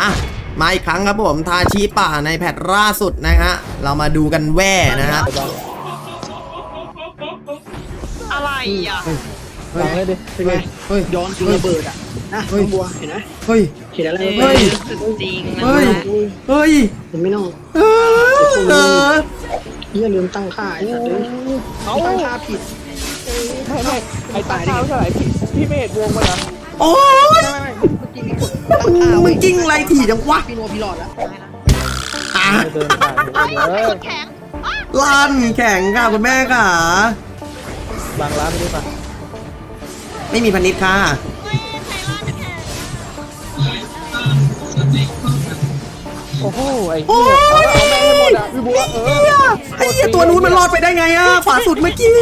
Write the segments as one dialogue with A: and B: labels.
A: อ่ะมาอีกครั้งครับผมทาชีป่าในแพทล่าสุดนะฮะเรามาดูกันแว่นะครับ
B: อะไรอ่ะ
C: ฟังเลยดิเป็นไงย้อนจริงระเบิดอ่ะนะน้องบัวเห็นไหม
A: เฮ้ย
C: เห็นอะไรระ
B: เฮ้
C: เบิ
B: ย
C: ด
B: สุดจริงนะ
A: เฮ้ยเฮ้ย
C: มันไม่ต้องอย่าลืมตั้งค่าไอ้สัตว์เลยตั้งค่าผิด
D: ไม่ไอ้ตาข้าวเท่าไหร่พี่ไม่เห็นวงมันเหรอ
A: โอ้ย
C: ไม่เมื่อกี้มีกดตั้งค่า
A: มึงกิ้งไรถี่จังวะ
C: พี่โนพี่หลอดแล้ว
A: อ่ะ
D: เดินผ่าน
B: แข็ง
A: ลั่นแข่งค่ะคุณแม่ค่ะ
D: บางร้านไม่ได้ปะ
A: ไม่มีพันนิดค่ะ
D: โอ้โหไอ้เหี้ยเอาแม่งให้หมดอ่ะพี่บัว
A: ไอ้เหี้ยตัวนู้นมันรอดไปได้ไงอ่ะฝาสุดเมื่อกี้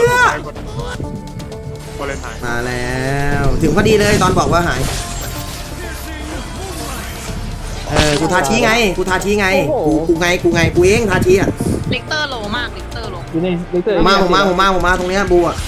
A: มาแล้วถึงพอดีเลยตอนบอกว่าหายกูทาชี้ไงกูทาชี้ไงกูเองทาชี้อ่ะ
B: ลิกเตอร์โลมากลิกเตอร์โล
D: อยู่นี่ลิเตอร์
A: ผมมาตรงเนี้ยบูอ่ะ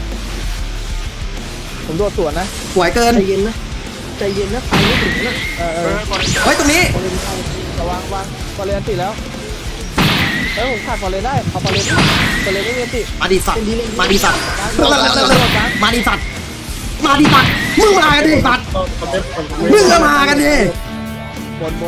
D: ผมโดดสวนนะ
A: สวยเกิน
C: ใจเย็นนะใจเย็นนะไปไม่ถึงนะ
A: เฮ้ยตรงนี้
D: ระวังพอเรียนติแล้วผมขาดพอเรียนได้เอาพอเรียนไม่เรียนติ
A: มาดิสัตว์มาดิสัตว์มึงมากันดิสัตว์มึงมากันดิสัตว์มึงก็มากันดิ
D: บน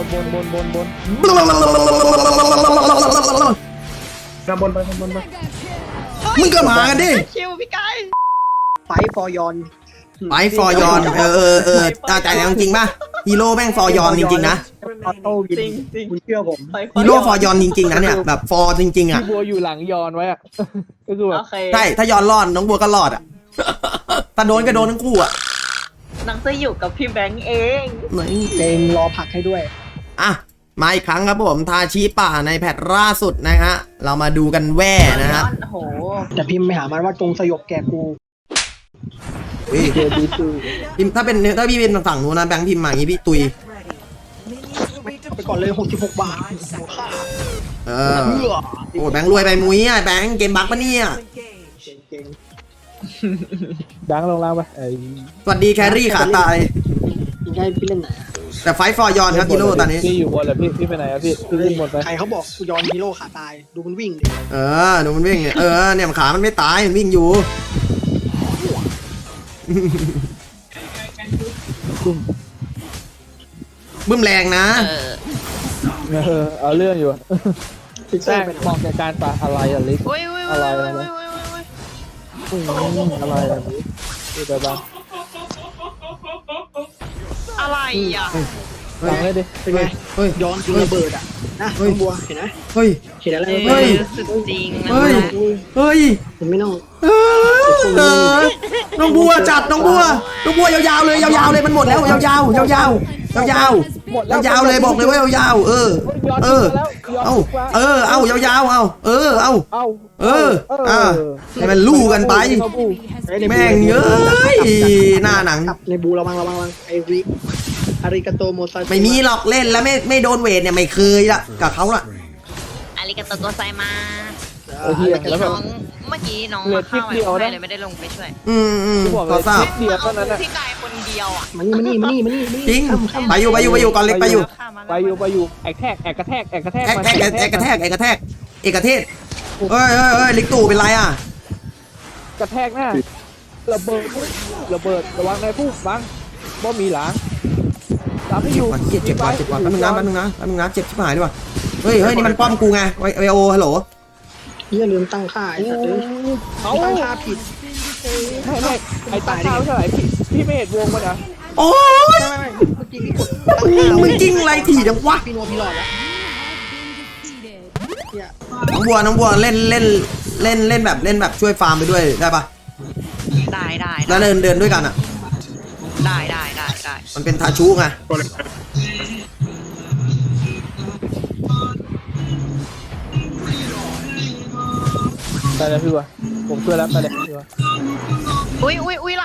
A: มึงก็มากันดิ
B: คิวพี่ไก่
C: ไฟฟอร์ยอน
A: ไปฟอร์ยอนใจแรงจริงป่ะฮีโร่แม่งฟอร์ยอนจริงๆนะ
C: ออโต้ยิงคุณเชื่อผม
A: ฮีโร่ฟอร์ยอนจริงๆนะเนี่ยแบบฟอร์จริงๆอ่ะ
D: พี่บัวอยู่หลังยอนไว้อ่ะก็คือแบบ
B: โอเค
A: ใช่ถ้ายอนรอดน้องบัวก็รอดอ่ะถ้าโดนก็โดนทั้งคู่อ่ะ
B: นังจะอยู่กับพี่แบงค์เอง
C: เจงรอผักให้ด้วย
A: อ่ะมาอีกครั้งครับผมทาชีป่าในแพทล่าสุดนะฮะเรามาดูกันแว่นะครับ
B: โอ้โห
C: แต่พิมพ์ไปหามันว่าจงสยบแกกู
D: เจอดีซู
A: พิมพ์ถ้าพี่เป็นฝั่งนู้นนะแบงค์พิมพ์มาอย่างงี้พี่ตุย
C: ไปก่อนเลย66 บาทค่า
A: โอ้แบงค์รวยไปมุ้ยอ่ะแบงค์เกมบักปะเนี่ย
C: เก่ง
D: ดังลงล่างไปไอ้
A: สวัสดีแครี่ขาตาย
C: ๆได้พี่เล่นไหน
A: แต่ไฟฟอร์ยอนครับฮีโร่ตอนนี้
D: พี่อยู่บนแล้วพี่ไปไหนอะพี่ขึ้นบนไป
C: ใครเขาบอกกูยอนฮีโร่ขาตายดูมันวิ่งดิ
A: ดูมันวิ่งเนี่ยเนี่ยขามันไม่ตายมันวิ่งอยู่บึ้มแรงนะ
D: เอาเรื่องอยู่
C: ฟิกเซอ
D: แป้ง
C: ร์ไป
D: มองจากการปะอะไรอะลิก
B: อุ้ย
D: อะไรอะไรอะไรอะลิกดูไปบ้าง
B: อะไรอ่ะ
D: ฟังเลยดิ
C: เป็นไงย้อนจริงระเบิดอ่ะนะน้องบัวเห็นไหม
A: เฮ้ย
C: เห็นอะไร
A: เฮ้ย
B: สุดจริงนะ
A: เฮ้ย
C: มันไม่ต้อง
A: น้องบัวจัดน้องบัวยาวๆเลยยาวๆเลยมันหมดแล้วยาวๆยาวๆยาวๆยาวๆเลยบอกเลยว่ายาวๆเอายาวๆให้มันลู่กันไปแม่งเยอะหน้าหนัง
C: ในบูระวังไอริอาริกาโตโมซา
A: ไม่มีหรอกเล่นแล้วไม่โดนเวทเนี่ยไม่เคยละกับเขาละ
B: อาริกาโตโกไซมา
D: โอ้โหแล้วแบบ
B: เมื่อกี้น้องมาเข้าไปเลยไม่ได้ลงไปช่วย
D: บอกเล
A: ก็
D: ย
A: ทราบ
D: นิดเดียวเท่านั้นอะ
B: พี่ไก่คนเดียวอ่ะ
C: มานี่
A: จริงไปอยู่ก่อนเล็กไปอยู่
D: ไปอยู่แอกกระแทก
A: เอกกระแทกเอกเทศเฮ้ยลิกตู่เป็นไรอ่ะ
D: กระแทกหน้าระเบิดระวังในผู้บังบ่มีหลังตามให้อยู่
A: เจ็บว่ะแป๊บนึงนะเจ็บชิบหายด้วยว่ะเฮ้ยนี่มันป้อมกูไงไวโอฮัลโหล
C: อย่าลืมตั้งค่าไอ้สัตว์เลยตั้งค่าผิด
D: ไม่ไอ้ตาข้าวเท่าไหร่พี่ไม่เห็นวงมันเหรอ
A: โอ้ย
C: ไม่เมื่อกี้มีกดตั้งค่า
A: มึงกิ้งไรถี่จังวะ
C: พี่โนพี่หลอดแล้ว
A: น้องบัวเล่นแบบช่วยฟาร์มไปด้วยได้ปะ
B: ได้
A: แล้วเดินด้วยกันอ่ะ
B: ได้
A: มันเป็นทาชูไง
D: ไปเลยพี่วะผมช่วยแล้วไปเลยพี่วะ
B: อุ้ยไหล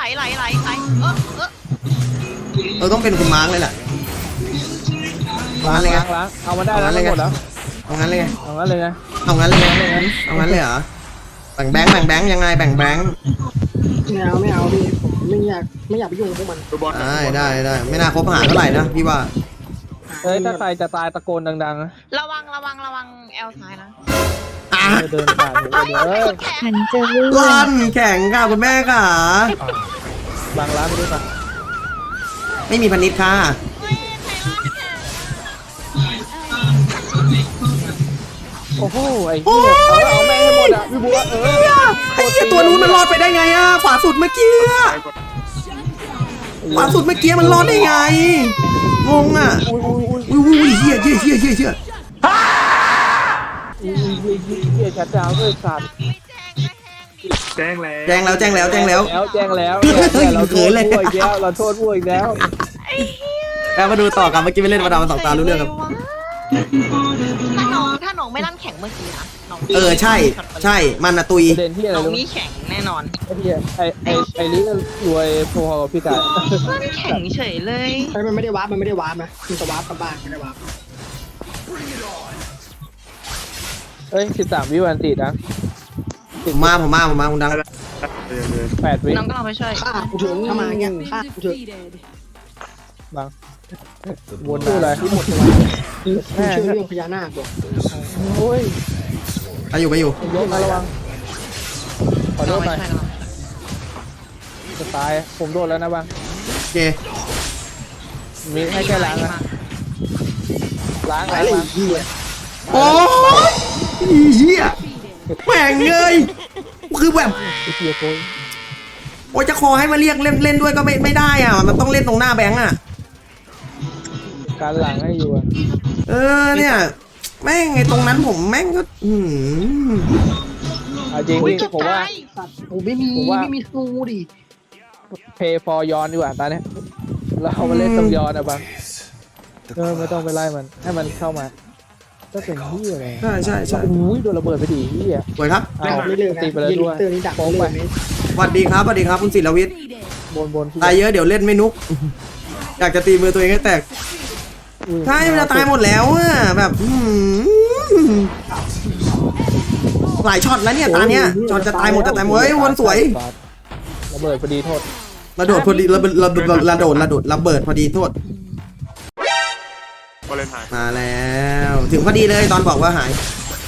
A: ต้องเป็นคุณมาร์กเลยแหละเอางั้นเลยไง
D: ล้างเอามาได้แล้วหมดแล้ว
A: เอางั้นเลยไง
D: เอางั้นเลยนะ
A: เอางั้นเลยเหรอแบ่งแบงค์ยังไงแบ่งแบงค์
C: ไม่เอาพี่ผมไม่อยากไปยุ่งกับพวกมัน
A: ได้ไม่น่าคบหาเท่าไหร่นะพี่ว่า
C: หา
D: เอ้ยถ้าใครจะตายตะโกนดังๆนะ
B: ระวังแอลซ้ายนะ
A: อ่ะ
D: เดินผ่านเดี๋ยวเอ้ย
E: ฉันจะเลื่อน
A: ลั่นแข็งค่ะคุณแม่ค่ะ
D: บางร้านไม่ได้ปะ
A: ไม่มีพันนิดค่ะ
D: โอ้โหไอ้เหี้ยเอาแม่งให้หมดอ่ะพี่บัว
A: ไอ้เหี้ยตัวนู้นมันรอดไปได้ไงอ่ะขวาสุดเมื่อกี้อะขวาสุดเมื่อกี้มันรอดได้ไงงงอ่ะอุ้ยเหี้ย
D: อุ้ยชัดดาวด้วยสัตว์
F: แจ้งแล้ว
A: แจ้งแล้ว
D: แจ้งแล้วเราโทษบัวอีกแล้วเราโทษบัวอีกแล้ว
A: แล้วมาดูต่อกันเมื่อกี้ไปเล่นมาดามมาสองตารู้เรื่องครับ
B: ถ้าน้องไม่ลั่นแข็งเมื่อกี้นะน้อง
A: ใช่มันอะตุย
D: ประเด็นที่อะไร
B: น้อง
D: รู้
B: นี่แข็งแน่นอน
D: ไอ้เหี้ยไอ้ลิก็รวยพอกับพี่กาย
B: ลั่นแข็งเฉยเลย
C: มันไม่ได้วาร์ปนะมันจะวาร์ปกลับบ้านไม่ได้วาร์ป
D: เอ้ย13 วิวันติดนะ
A: ผมมาคุณดัง
D: 8 วิ
B: น้องก็ลองไปช่วย
C: ฆ่ากูถึงถ้ามาอย่างเงี้ยฆ่ากูถึง
D: บางวนดูอะไร
C: ที่หมดตัวกูเชื่อเรื่องพญานาคบอก
D: โอ้ย
A: ไปอยู่
D: ยกมาระวังขอโท
B: ลอง
D: ษ
B: ไป
D: หน่อย
B: ช่วยกัน
D: จะตายผมโดนแล้วนะบาง
A: โอเค
D: มีให้แค่ล้างนะล้าง
C: ตายเลย
D: ล้าง
C: เหี้ย
A: โอ้ยเหี้ยแม่งเลยคือแบบ
D: ไอ้เหี้ยโอ้ย
A: โอ้ยจะคอให้มาเรียกเล่นด้วยก็ไม่ได้อ่ะมันต้องเล่นตรงหน้าแบงค์อ่ะ
D: การหลังให้อยู่อะ
A: เนี่ยแม่งไอ้ตรงนั้นผมแม่งก็
D: เอาจริง
B: อุ้ย
D: พี่
B: เกือบ
D: ผมว่า
B: ตาย
C: สัตว์กูไม่มีธนูดิ
D: pay for ย้อนดีกว่าตอนนี้เรามาเล่นต้องย้อนอะบางไม่ต้องไปไล่มันให้มันเข้ามาก็เป็นที่อะไร
A: ใช่
D: อุ้ยโดนระเบิดไปดิที่อ่ะ
A: สวยครับ
D: อ้าว
C: ไม่เลิกนะ
D: ตีไปแล้วด้วย
C: เตอร์นี้ดัก
D: โป้ง
C: ไม่
D: ไป
C: เลิกนะ
A: สวัสดีครับคุณศิลวิทย์
D: บน
A: ตายเยอะเดี๋ยวเล่นไม่นุก อยากจะตีมือตัวเองให้แตกใช่มันจะตายหมดแล้วอ่ะแบบหลายช็อตแล้วเนี่ยตาเนี้ยช็อตจะตายหมดเฮ้ยวนสวย
D: ระเบิดพอดีโทษ
A: ระโดดพอดีระเบิดพอดีโทษ
F: วาเลนไทน์
A: มาแล้วถึงพอดีเลยตอนบอกว่าหาย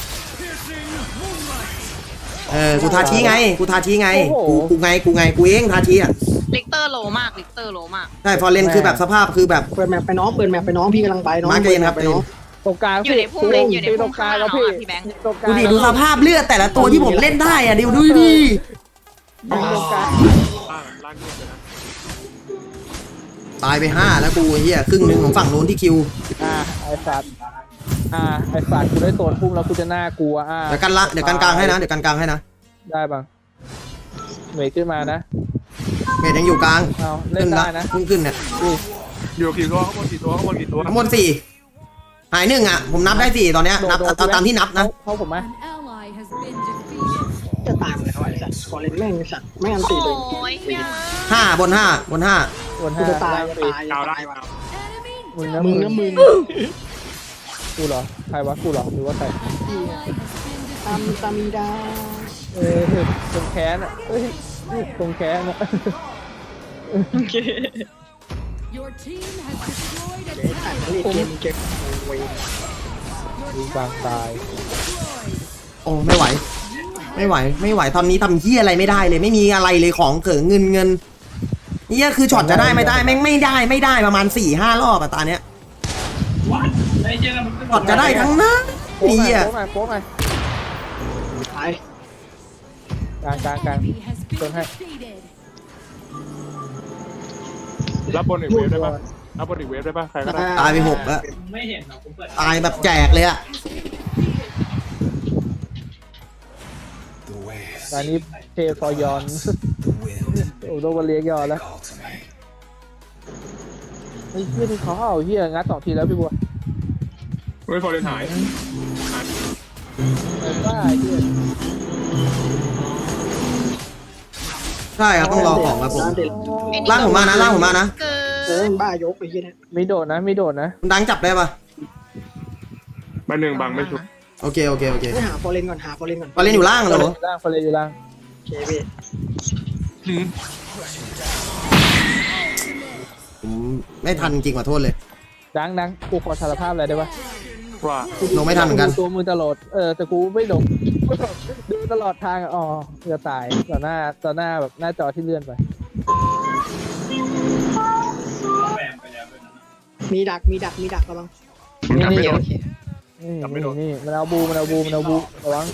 A: กูทาชี้ไงกูเองทาชี้อ่ะ
B: ลิกเตอร์โลมาก
A: ใช่พอเล่นคือแบบสภาพคือแบบ
C: เปิดแมปไปน้องพี่กำลังไปน้อง
A: มาเกณฑ์ครับ
C: ไปน้อง
D: ตรงกลาง
B: อยู่ในพุ่มเลยอยู่ใน
D: ตร
B: พุ่ม
D: งก
B: ข้า
D: ลาง ง
B: น้
D: แล้ว
B: อง
D: พี่
B: พี่แบงค์
D: ตรงกลาง
A: ดูดิดูสภาพเลือดแต่ละตัวที่ผมเล่นได้อ่ะดูดิ
D: ตรงกลาง
F: ล่างเงียบเลยนะ
A: ตายไป5แล้วกูเฮียครึ่งหนึงของฝั่งนู้นที่คิว
D: ไอ้สัตว์กูได้โซนพุ่มแล้วกูจะน่ากลัว
A: เดี๋ยวกันกลางให้นะ
D: ได้บ้างเหนื่อยขึ้นมานะ
A: เมดยังอยู่กลาง
D: เอาเล่นได้นะ
A: เพิ่งขึ้นเนี่ย
F: อยู่กี่ตัวข้างบนกี่ตัว
A: ทั้งหมด4หาย1อ่ะผมนับได้4ตอนเนี้ยนับเอาตามที่นับนะ
D: เขาผมไหม
C: จะตายหมดแล้วไอ้สัตว์ขอเล่นแม่งไอ้สัตว์ไม่อันตีเลย
B: โอ้ยเหี้ย
A: 5บน
D: บน
C: กู
D: ห้า
C: จะตาย
F: ดาวได้
C: ว่ะ
D: มึงนะ
C: มึงนะมึง
D: กูเหรอใครวะกูเหรอหรือว่าใคร
C: ตามีดา
D: ตรงแขนอ่ะตรงแขนอ่ะ
C: เจ๊ตัดเล่นเกมเก็บเว้ย
D: ยิงบางตาย
A: โอ้ไม่ไหวตอนนี้ทำเฮียอะไรไม่ได้เลยไม่มีอะไรเลยของเขิงเงินเฮียคือช็อตจะได้ไม่ได้แม่งไม่ได้ประมาณ 4-5 รอบอะตาเนี้ยช็อตจะได้ทั้งนั้น
D: โป๊ะ
A: เฮีย
D: หน่อย
C: ตาย
D: กลางโดนให้
F: รับบนอีกเวฟได้ป่ะใครก็ได้
A: ตายไป6แล้วตายแบบแจกเลยอะ
D: ตอนนี้เทฟอยอนโอ้โดนวันเลี้ยงยอนแล้วไอ้เหี้ยที่เขาเอาเหี้ยงัด2 ทีแล้วพี่บัว
F: เฮ้ยฟอร์เรนหาย
D: ไอ้บ้าไอ้เหี้ย
A: ใช่ครับต้องรอของครับผม
B: ไอ้
A: ล่างผมมานะ
B: เกิ
C: บ้ายกไอ้เหี้ยเนี่ย
D: มีโดดนะ
A: คุณดังจับได้ปะ
F: บ้านหนึ่งบังไม่ชุบ
A: โอเค
C: ไม่หาฟอร์เรนก่อน
A: ฟอเล่นอยู่ล่างเหรอ
D: ฟอลเลนอยู่ล่าง
C: โอเคพี่
A: ผมไม่ทันจริงขอโทษเลย
D: ใจดังกูขอสารภาพอะไรได้ปะ
F: ว่า
A: ลงไม่ทันเหมือนกัน
D: ตัวมือตลอดแต่กูไม่ลง ดูตลอดทางอะอ๋อจะตายต่อหน้าแบบหน้าจอที่เลื่อนไป
C: มีดักระวัง
D: นี่
B: โอ
D: นี่
B: เคโอเค
D: นี่มันเอาบูระวัง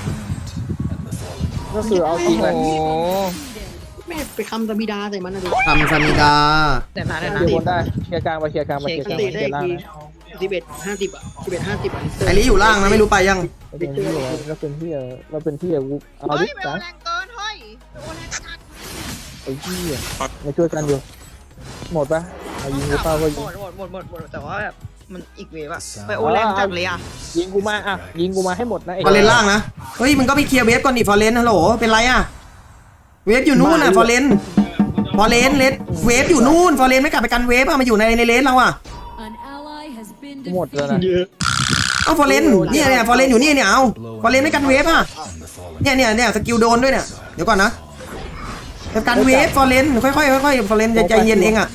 D: ก็คือเอาจริง
B: โอ้
D: เลย
B: โห
C: แม่ไปคำตะบิดาใส่มันนะดิ
A: ทำซามิดา
B: เดี๋ยวนะ
D: เดี๋ยวบนได้เคลียร์กลางไปเคลียร์กลางไปเคลียร์ก
C: ส
D: ลาง
C: ติ
D: ไปเค
C: ได้
D: ลียร์ล่าง
C: ที
D: นะ
C: 11:50อ่ะ11:50อ่ะ
A: ไอริอยู่ล่างนะไม่รู้ไปยัง
D: เราเป็นที่เราเป็นที่เอา
B: เฮ้
D: ดิ
B: ยเบล
D: จ้า
B: แรงเกินเฮ้ยโอ้แรงจัด
D: ไอ้ที่มาช่วยกันอยู่หมดปะเอายิงกูเป้าก็ยิง
B: หมดแต่ว่าแบบมันอีกเวฟอะไปโอแรงจัดเลยอะ
D: ยิงกูมาอ่ะยิงกูมาให้หมดนะไอ้
A: ฟอร์เรนล่างนะเฮ้ยมึงก็ไปเคลียร์เวฟก่อนดิฟอร์เรนฮัลโหลเป็นไรอะเวฟอยู่นู่นน่ะฟอร์เรนเลสเวฟอยู่นู่นฟอร์เรนไม่กลับไปกันเวฟอะมาอยู่ในเลสเราอะ
D: หมดแล้วนะ
C: เยอะ
A: เอาฟอร์เรนเนี่ยฟอร์เรนอยู่นี่เนี่ยเอาฟอร์เรนไม่กันเวฟอะเนี่ยสกิลโดนด้วยเนี่ยเดี๋ยวก่อนนะจะกันเวฟฟอร์เรนค่อยฟอร์เรนใจเย็นเองอะ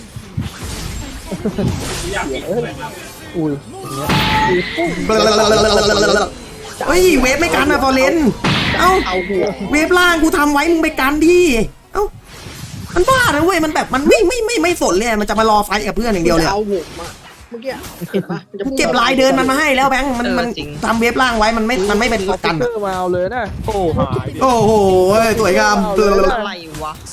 D: อุ้ยอย่างเงี้ย
A: เฮ้ยเวฟไม่กันอะฟอร์เรนเอ้า
C: เอาหัว
A: เวฟล่างกูทำไว้มึงไปกันดิเอ้ามันบ้านะเว้ยมันแบบมันไม่สนเลยมันจะมารอไฟกับเพื่อนอย่างเดียวเลย
C: เอาหัวมาเมื่อกี้เห็นปะมันจะ
A: เก็บลายเดินมันมาให้แล้วแบงค์มันทำเวฟล่างไว้มันไม่เป็นประกัน
D: เตอร์มาเอาเลยนะ
F: โอ้หายดิ
A: โอ้โหสวยงาม
B: อะไรวะ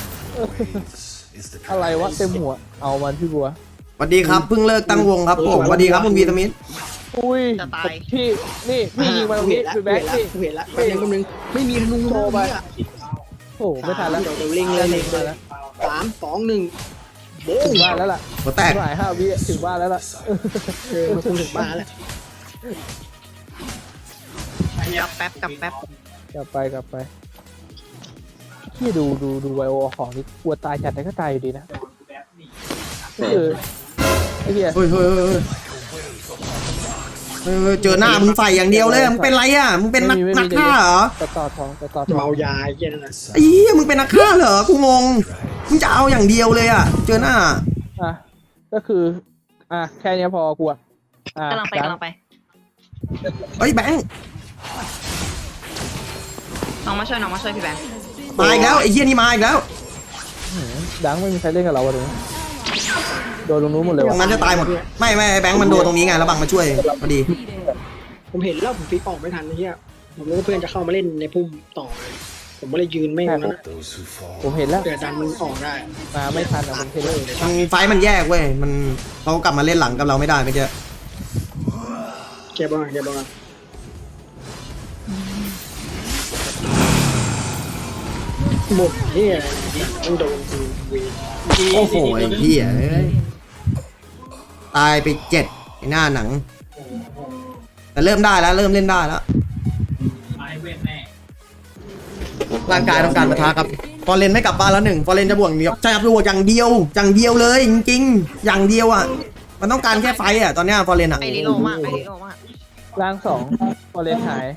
D: อะไรวะเต็มหัวเอามันพี่บัว
A: สวัสดีครับเพิ่งเลิกตั้งวงครับผมสวัสดีครับคุณวีตามิน
D: อุ้ยพี่นี่พี่ยิงมาตรงนี้
C: แล้ว
D: พี่แบ็คพี่
C: เห็นแล้วแป๊บนึงไม่มีธนู
D: โชว์ไป
C: เนี่ย
D: โอ้ไม่ทันแล้ว
C: เดี๋ยวเล็งเลย3 2 1โบ้
D: ถึ
C: ง
D: งบ้านแล้วล่ะ
A: หัวแตก
D: หลาย5 วิถึงบ้านแล้วล่ะ
C: มันคงถึงบ้านแล้ว
B: กลับแป๊บ
D: กลับไปพี่ดูไวโอของนี่กลัวตายจัดแต่ก็ตายอยู่ดีนะไอ้เหี้ย
A: เฮ้ยเจอหน้ามึงใส่อย่างเดียวเลยมึงเป็นไรอ่ะมึงเป็นนักฆ่าเหรอ
D: ต่อทอง
C: เมายาเย็นนะ
A: ไอ้เหี้ยมึงเป็นนักฆ่าเหรอกูงงมึงจะเอาอย่างเดียวเลยอ่ะเจอหน้า
D: อ่ะก็คือแค่นี้พอกลัว
B: กำลังไป
A: เฮ้ยแบงค์
B: น้องมาช่วยพี่แบงค์
A: มาอีกแล้วไอ้เหี้ยนี่มาอีกแล้ว
D: ดังไม่มีใครเล่นกับเราเลยโดนลงนู้นหมดเลย
A: ตรงนั้นจะตายหมดไม่แบงค์มันโดนตรงนี้ไงแล้วบังมาช่วยพอดี
C: ผมเห็นแล้วผมฟิกออกไม่ทันนะเฮียผมรู้ว่าเพื่อนจะเข้ามาเล่นในพุ่มต่อผมก็เลยยืนไม่งั้นนะ
D: ผมเห็นแล้ว
C: เดี๋ยวดันมันออกได้
D: มาไม่ทันมันเทเลอร์
A: ไฟมันแยกเว้ยมันเขากลับมาเล่นหลังกับเราไม่ได้เมื่อกี้
C: เก็บบ้างหมดเฮียต้องโดนกูเว
A: โอ้โหไอ้เหี้ยตายไป7ไอ้หน้าหนัง แต่เริ่มได้แล้วเริ่มเล่นได้แล้วร่างกายต้องการปะทะครับฟอร์เรนไม่กลับบ้านแล้ว1ฟอร์เรนจะบวกเดียวใช่ครับบวกอย่างเดียวเลยจริงๆอย่างเดียวอ่ะมันต้องการแค่ไฟอ่ะตอนเนี้ยฟอร์เรนอ่ะ
B: ไอริโลมาก
D: ร่าง2พอเลนหาย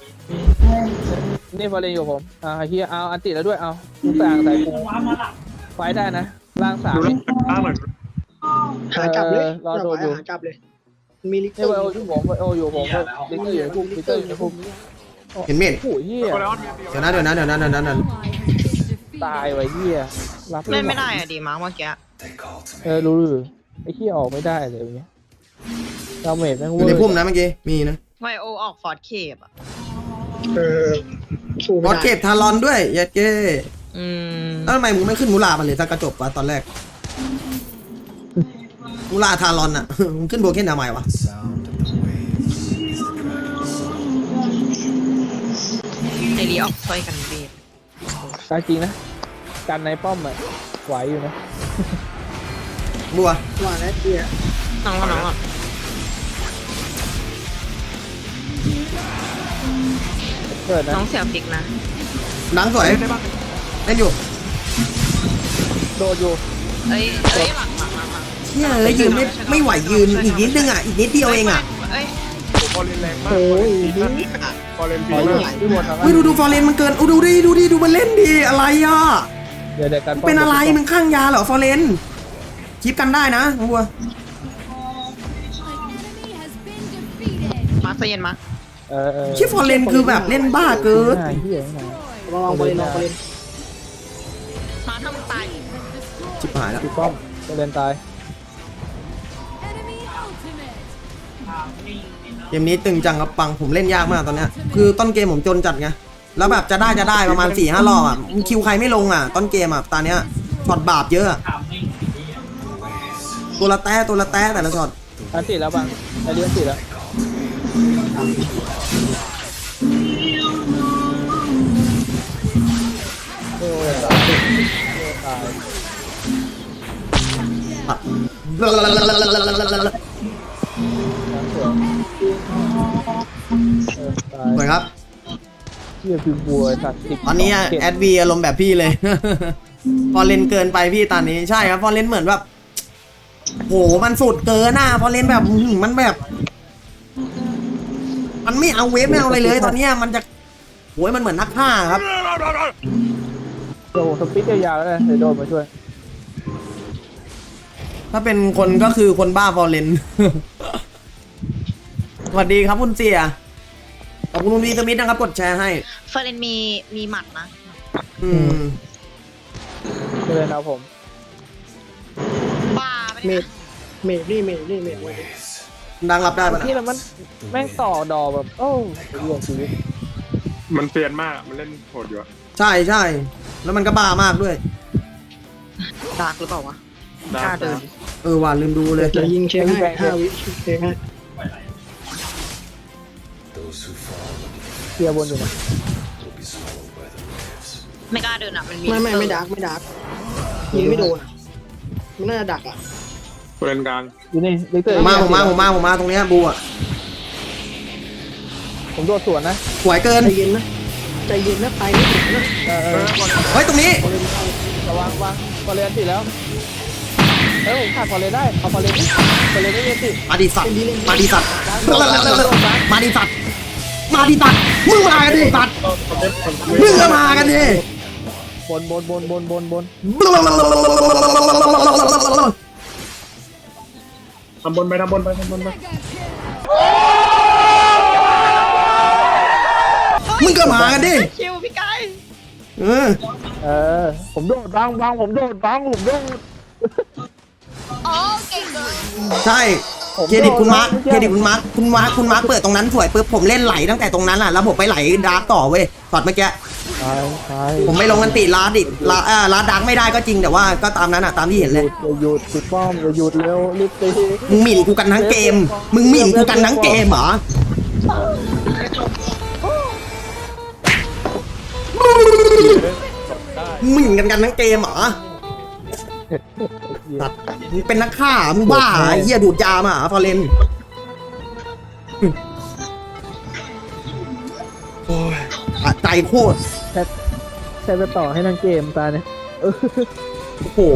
D: นี่พอเลนอยู่ผมเฮียเอาอันติแล้วด้วยเอาลูกต่างใส่กูไฟได้นะร่าง3
F: ดู
D: นี่
F: แล้วตั้งหน่อย
C: หากลับเลย
D: รอโดนอยู่
C: หากลับเลยมีลิกเต
D: นี่
C: อ
D: ไวโอ
C: ร์
D: อยู่ผมไวโออยู่ผมลิเตอร์อยู่ในพุ่มลิเตอร์อยู่ในพุ่ม
A: เห็นเมด
D: โอ้ยเฮีย
F: ก็แล้วมีเดียว
A: เดี๋ยวนะ
D: ตายไว้เฮียรับ
B: เล่นไม่ได้อะดีมาร์กเมื่อกี้
D: รู้หรือไอ้เฮียออกไม่ได้เลยอย่างเงี้ยดาเมจแม่ง
A: อ
D: เวอยู่
A: ใน
D: ร์
A: พุ่มนะเมื่อกี้มีนะ
B: ไวโอออกฟอร์ดเคปอะ
C: สู้
A: บ
C: ไม่
A: อส
C: ได้
A: เก็บทารอนด้วยยัดเก้
B: อืม
A: แล้วทำไมมึงไม่ขึ้นมูลามันเลยถ้ากระจบวะตอนแรกมูลาทารอนอ่ะ มึงขึ้นโบเก้นทำไมวะ
B: ไอรีออกช่วยกันเวฟ
D: ตายจริงนะกันในป้อมอะไหวอยู่นะ
A: บัว
C: ว่าแล้วเฮีย
B: น้องก่อน
D: เกิดนะ
B: น้องเสียฟิกนะ
A: หนังสวยเล่นอยู่
D: โดดอยู่
B: เอ้ยหลัง
A: เชี่ยเอ้ยยืนไม่ไหวยืนอีกนิดนึงอ่ะอีกนิดเดียวเองอ่ะ
B: เอ้ย
F: ฟอร์เรนแรงมาก
C: โอ้ย
F: ฟอร์เรน
D: ข
F: ปี
D: ออยู่
F: มาก
D: ที่บนทาง
A: เฮ้ยดูฟอร์เรนมันเกินดูดิมันเล่นดีอะไรอ่ะ
D: เดี๋ยวกัน
A: เป็นอะไรมึงข้างยาเหรอฟอร์เรนคลิปกันได้นะน้องบัว
B: มาใจเย็นมา
A: ชิฟอร์เรนคือแบบเล่นบ้าเกิน
D: เฮียไม่มา
C: ลองไปเล่นลองไปเล่น
B: มาถ้ามันตาย
A: ชิบหายแล้ว
D: พี่ป้อมจะเล่นตาย
A: เกมนี้ตึงจังครับปังผมเล่นยากมากตอนเนี้ยคือต้นเกมผมจนจัดไงแล้วแบบจะได้ประมาณ 4-5 รอบอ่ะคิวใครไม่ลงอ่ะต้นเกมอ่ะตอนเนี้ยช็อตบาปเยอะอะตัวละแต้แต่ละช็อต
D: อันติดแล้วบังไอเลี้ยงติดแล้วโอ้ยตายตาย
A: สวยครับ
D: เฮียพิมบัวตัดติด
A: ตอนนี้แอดวีอารมณ์แบบพี่เลย พอเล่นเกินไปพี่ตอนนี้ใช่ครับพอเล่นเหมือนแบบโหมันสุดเกินอ่ะพอเล่นแบบมันแบบ มันไม่เอาเวฟไม่เอาอะไรเลย ตอนเนี้ยมันจะโหยมันเหมือนนักฆ่าครับ
D: โอ้โหสปิดยาวๆแล้วเลยเดี๋ยวโดนมาช่วย
A: ถ้าเป็นคนก็คือคนบ้าฟอร์เรน สวัสดีครับคุณเสียขอบคุณคุณวีสมิธนะครับกดแชร์ให้
B: เฟรนมีหมัดนะ
A: อืม
D: จะเล่นเอาผม
B: บ้าไม่
C: เม
B: ได้
C: ดเมดนี่ไว้
A: ดังรับได้ปะ
D: ที่
A: นะ
D: แล้วมันแม่งต่อดอแบบโอ้เรื่องชีวิต
F: มันเซียนมากมันเล่นโหดอยู่อะ
A: ใช่แล้วมันก็บ้ามากด้วย
B: ดาร์กหรือเปล่าวะ
F: ดาก
B: ล้าเดิน
A: ว่าลืมดูเลย
C: จะยิงเช็คให้5 วิเช็คให้
D: เคลียร์บนอยู่นะ
B: ไม่กล้าเดินอ่ะมันมี
C: ไม่ดักยิงไม่โดนมันน่าจะดักอ่ะ
F: ผู้เล่นกลาง
D: อยู่นี่ลิกเตอร์
A: ผมมาตรงเนี้ยบูอ่ะ
D: ผมโดดสวนนะ
A: สวยเกิน
C: ใจเย็นนะไปไม่ถึงนะ
A: เฮ้ยตรงนี้
D: ระวังพอเลนติดแล้วผมขาดพอเลนได้เอาพอเลนดิพอเลนไม่เรียนติ
A: มาดิสัตว์มาดิสัตว์มึงมากันดิสัตว์มึงมากันดิสัตว์มึงก็มากันดิ
D: บน
F: ทำบนไป
A: มึงก็มากันดิ
B: คิวพี่ไก่
D: ผมโดดบังผมโดด
B: อ๋อเก่งเกิน
A: ใช่เครดิตคุณมาร์คเปิดตรงนั้นสวยปุ๊บผมเล่นไหลตั้งแต่ตรงนั้นอ่ะแล้วผมไปไหลดาร์กต่อเว้ยช็อตเมื่อกี้
D: ตาย
A: ผมไม่ลงกันติลาดิลาดาร์กไม่ได้ก็จริงแต่ว่าก็ตามนั้นอ่ะตามที่เห็นเลย
D: อย่าหยุดติดป้อมอย่าหยุดเร็วรีบตี
A: มึงหมิ่นกูกันทั้งเกมเหรอหมิ่นกันทั้งเกมเหรอสัตว์มึงเป็นนักฆ่ามึงบ้าไอ้เหี้ยดูดยามาฟอเรนโอ้ยอะใจโคตร
D: ใช้ไปต่อให้นางเกมตาเนี่ย
A: โอ้โห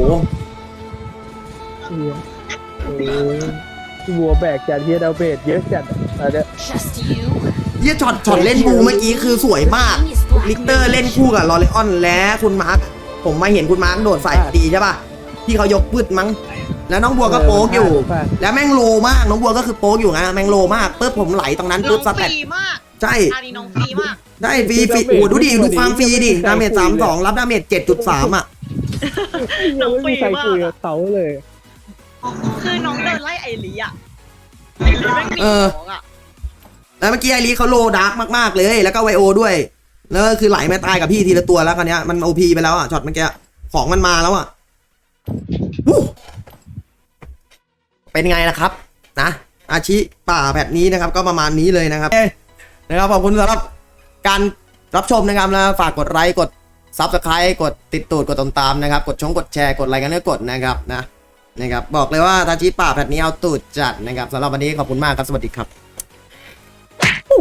D: วัวแบกจัดเฮียดาวเบดเยอะจัดอะไรเนี่ย
A: เหี้ยช็อตเล่นบูเมื่อกี้คือสวยมากลิกเตอร์เล่นคู่กับลอเรออนและคุณมาร์คผมมาเห็นคุณมาร์คโดดใส่ดีใช่ป่ะที่เขายกพืชมั้งแล้วน้องบัวก็โป๊กอยู่ แล้วแม่งโลมากน้องบัวก็คือโป๊กอยู่ไงแม่งโลมากปุ๊บผมไหลตรงนั้น
B: น้อ
A: ปุ๊บ
B: ง
A: ส
B: ฟ
A: แต็ก
B: รีมาก
A: ใช่
B: อาดีน้องฟรีมาก
A: ได้ฟรีโอ้ดูดิดูความฟรีดิดาเมจ32รับดาเมจ7.3อ่ะ
B: น้องฟรี
D: ใคร
B: มา
D: คุย
B: ก
D: กับเขาเลย
B: คือน้องเดินไล่ไอรีอ่ะไอรีแม่งหนีน้องอ่ะ
A: แล้วเมื่อกี้ไอรีเขาโลดาร์กมากๆเลยแล้วก็ไวโอด้วยแล้วก็คือไหลมาตายกับพี่ทีละตัวแล้วคันนี้มันโอพีไปแล้วอ่ะช็อตเมื่อกี้ของมันมาแล้วอ่ะวู้เป็นไงล่ะครับนะอาชิป่าแพทนี้นะครับก็ประมาณนี้เลยนะครับนะครับขอบคุณสำหรับการรับชมนะครับแล้วฝากกดไลค์กด Subscribe กดติดตูดกดติดตามนะครับกดแชร์กดไลค์กันก็กดนะครับนะครับบอกเลยว่าอาชิป่าแพทนี้เอาตูดจัดนะครับสำหรับวันนี้ขอบคุณมากครับสวัสดีครับ